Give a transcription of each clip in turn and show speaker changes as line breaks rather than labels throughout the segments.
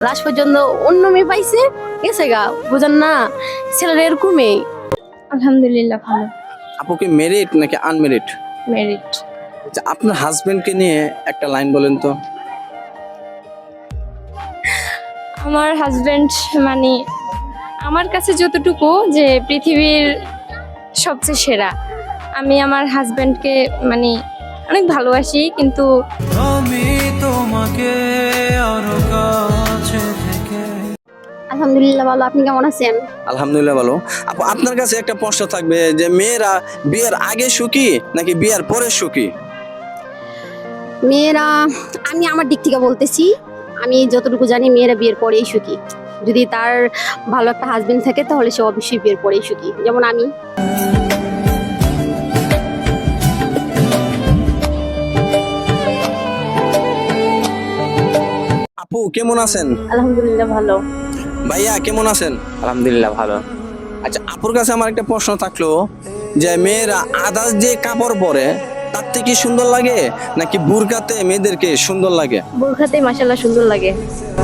Last পর্যন্ত অন্য মেয়ে পাইছে গেছে গা, বুঝেন না, ছেলেরা এরকমই।
আলহামদুলিল্লাহ ভালো।
আপু কি মেরিট নাকি আনমেরিট?
মেরিট।
আচ্ছা, আপনার হাজবেন্ডকে নিয়ে একটা লাইন বলেন তো।
আমার হাজবেন্ড মানে আমার কাছে যতটুকু যে পৃথিবীর সবচেয়ে সেরা, আমি আমার হাজবেন্ডকে মানে অনেক ভালোবাসি, কিন্তু
আমি তোমাকে আরো কাছে থেকে।
আলহামদুলিল্লাহ ভালো, আপনি কেমন আছেন?
আলহামদুলিল্লাহ ভালো। আপু আপনার কাছে একটা প্রশ্ন থাকবে যে মেয়েরা বিয়ের আগে সুখী নাকি বিয়ের পরে সুখী?
মেয়েরা, আমি আমার দিক থেকে বলতেছি, আমি যতটুকু জানি মেয়েরা বিয়ের পরেই সুখী। যদি তার ভালো একটা হাজবেন্ড থাকে তাহলে সে অবশ্যই বিয়ের পরেই সুখী, যেমন আমি।
আপু কেমন আছেন?
আলহামদুলিল্লাহ ভালো।
ভাইয়া কেমন আছেন?
আলহামদুলিল্লাহ ভালো।
আচ্ছা, আপুর কাছে আমার একটা প্রশ্ন থাকলো যে মেয়েরা আদার্স যে কাপড় পরে তার থেকে সুন্দর লাগে নাকি বুরকাতে মেয়েদেরকে সুন্দর লাগে?
বোরখাতে মাশাআল্লাহ সুন্দর লাগে।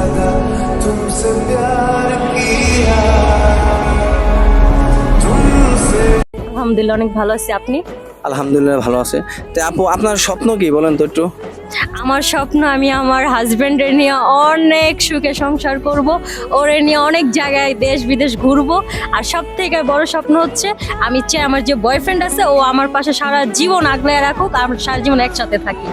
আলহামদুলিল্লাহ অনেক ভালো আছি, আপনি?
আলহামদুলিল্লাহ ভালো আছে। তো আপু আপনার স্বপ্ন কি বলেন তো একটু।
আমার স্বপ্ন আমি আমার হাজবেন্ডের নিয়ে অনেক সুখে সংসার করব, ওরে নিয়ে অনেক জায়গায় দেশ বিদেশ ঘুরবো। আর সব থেকে বড় স্বপ্ন হচ্ছে আমি চাই আমার যে বয়ফ্রেন্ড আছে ও আমার পাশে সারা জীবন আগলে রাখুক, আমরা সারা জীবন একসাথে থাকি।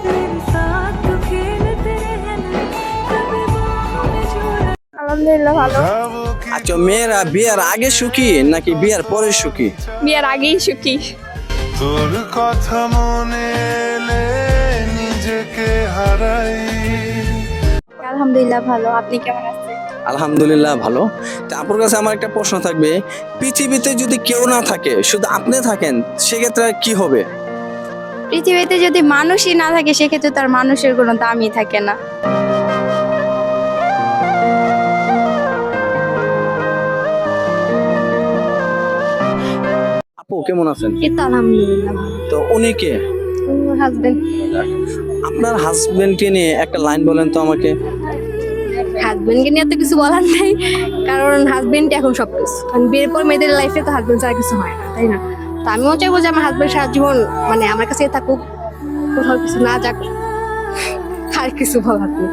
আলহামদুলিল্লাহ ভালো।
আচ্ছা, মেয়েরা বিয়ের আগে সুখী নাকি বিয়ের পরে সুখী?
বিয়ের আগেই সুখী।
তোর কথা মনে এলে নিজেকে হারাই।
আলহামদুলিল্লাহ ভালো, আপনি কেমন আছেন?
আলহামদুলিল্লাহ ভালো। তো আপুর কাছে আমার একটা প্রশ্ন থাকবে, পৃথিবীতে যদি কেউ না থাকে শুধু আপনি থাকেন সেক্ষেত্রে কি হবে?
পৃথিবীতে যদি মানুষই না থাকে সেক্ষেত্রে তার মানুষের কোনো দামই থাকে না।
আপু কেমন আছেন?
কিন্তু আলহামদুলিল্লাহ
তো উনি কে?
হাজবেন্ড।
আপনার হাজবেন্ডকে নিয়ে একটা লাইন বলেন তো আমাকে।
হাজবেন্ডকে নিয়ে তো কিছু বলার নাই, কারণ হাজবেন্ড এখন সবকিছু। কারণ বিয়ের পর মেয়েদের লাইফে তো হাজবেন্ড ছাড়া কিছু হয় না, তাই না? তো আমিও চাইবো যে আমার হাজবেন্ড সারা জীবন মানে আমার কাছেই থাকুক, কোথাও কিছু না যাক। আর কিছু বলার নেই।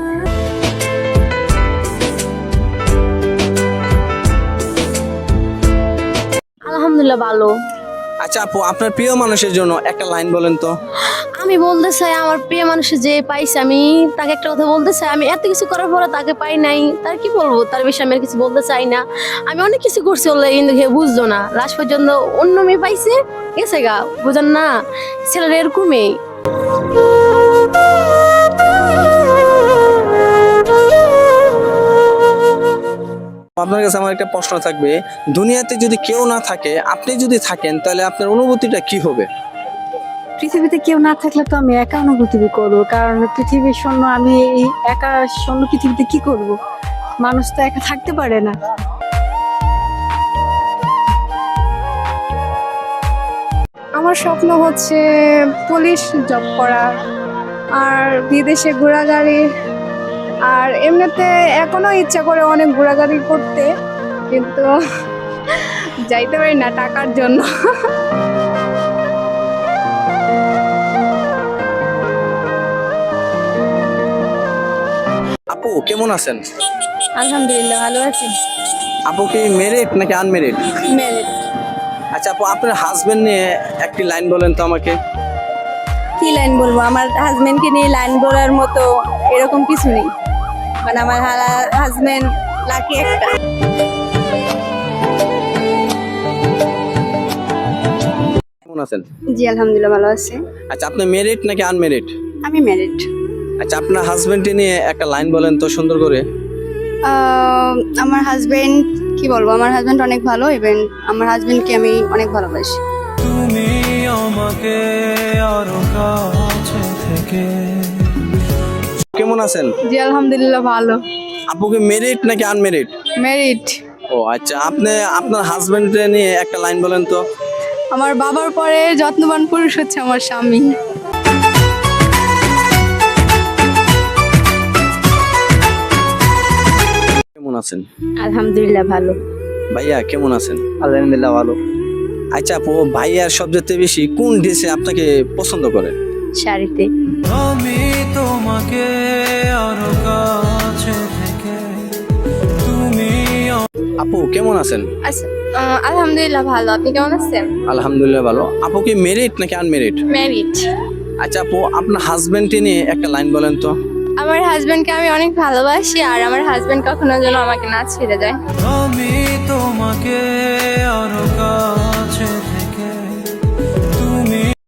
আলহামদুলিল্লাহ ভালো।
আচ্ছা আপু, আপনার প্রিয় মানুষের জন্য একটা লাইন বলেন তো।
আমি বলতে চাই আমার প্রিয় মানুষ যে পাইছে, আমি তাকে একটা কথা বলতে চাই, আমি এত কিছু করার পরে তাকে পাই নাই, তার কি বলবো, তার বিষয়ে আমি আর কিছু বলতে চাই না। আমি অনেক কিছু করছি বলে কিন্তু সে বুঝতো না, লাস্ট পর্যন্ত অন্য মেয়ে পাইছে গেছে গা, বুঝেন না, ছেলেরা এরকমই।
আপনার কাছে আমার একটা প্রশ্ন থাকবে, দুনিয়াতে যদি কেউ না থাকে আপনি যদি থাকেন তাহলে আপনার অনুভূতিটা কি হবে?
পৃথিবীতে কেউ না থাকলে তো আমি একা অনুভূতি করবো, কারণ পৃথিবীর শূন্য, আমি এই একা শূন্য পৃথিবীতে কি করব? মানুষ তো একা থাকতে পারে না।
আমার স্বপ্ন হচ্ছে পুলিশ জব করা আর বিদেশে ঘোরাঘুরি। আর এমনিতে এখনো ইচ্ছা করে অনেক ঘোরাঘুরি করতে, কিন্তু যাইতে পারি না টাকার জন্য।
আপু কেমন আছেন?
আলহামদুলিল্লাহ ভালো আছি।
আপু কি মেরিট নাকি আনমেরিট?
ম্যারেড।
আচ্ছা আপু, আপনার হাজবেন্ড নিয়ে একটি লাইন বলেন তো আমাকে।
কি লাইন বলবো? আমার হাজবেন্ডকে নিয়ে লাইন বলার মতো এরকম কিছু নেই, মানে আমার হাজবেন্ড লাকি একটা।
কেমন আছেন?
জি আলহামদুলিল্লাহ ভালো আছি।
আচ্ছা, আপনি মেরিট নাকি আনমেরিট?
আমি ম্যারিড।
আচ্ছা, আপনার হাজবেন্ডকে নিয়ে একটা লাইন বলেন তো সুন্দর করে।
আমার হাজবেন্ড, কি বলবো, আমার হাজবেন্ড অনেক ভালো, ইভেন আমার হাজবেন্ডকে আমি অনেক ভালোবাসি।
তুমি আমাকে আরো কাছে থেকে।
কেমন আছেন?
জি আলহামদুলিল্লাহ ভালো।
আপু কি মেরিট নাকি আনমেরিট?
ম্যারিড।
ও আচ্ছা, আপনি আপনার হাজবেন্ডকে নিয়ে একটা লাইন বলেন তো।
আমার বাবার পরে যত্নবান পুরুষ হচ্ছে আমার স্বামী।
আছেন?
আলহামদুলিল্লাহ ভালো।
ভাইয়া কেমন আছেন?
আলহামদুলিল্লাহ ভালো।
আচ্ছা আপু, ভাইয়ার সবচেয়ে বেশি কোন ড্রেসে আপনাকে পছন্দ করে?
শাড়িতে।
আমি তোমাকে আরো কাছে থেকে তুমি
আপু কেমন আছেন?
আলহামদুলিল্লাহ ভালো। আপনি কেমন আছেন?
আলহামদুলিল্লাহ ভালো। আপু কি মেরিড নাকি আনমেরিড?
ম্যারিড।
আচ্ছা আপু, আপনার হাজবেন্ডকে নিয়ে একটা লাইন বলেন তো।
আমার হাজবেন্ডকে আমি অনেক ভালোবাসি, আর আমার হাজবেন্ড কখনো যেন আমাকে না ছেড়ে যায়।
আমি তোমাকে আরো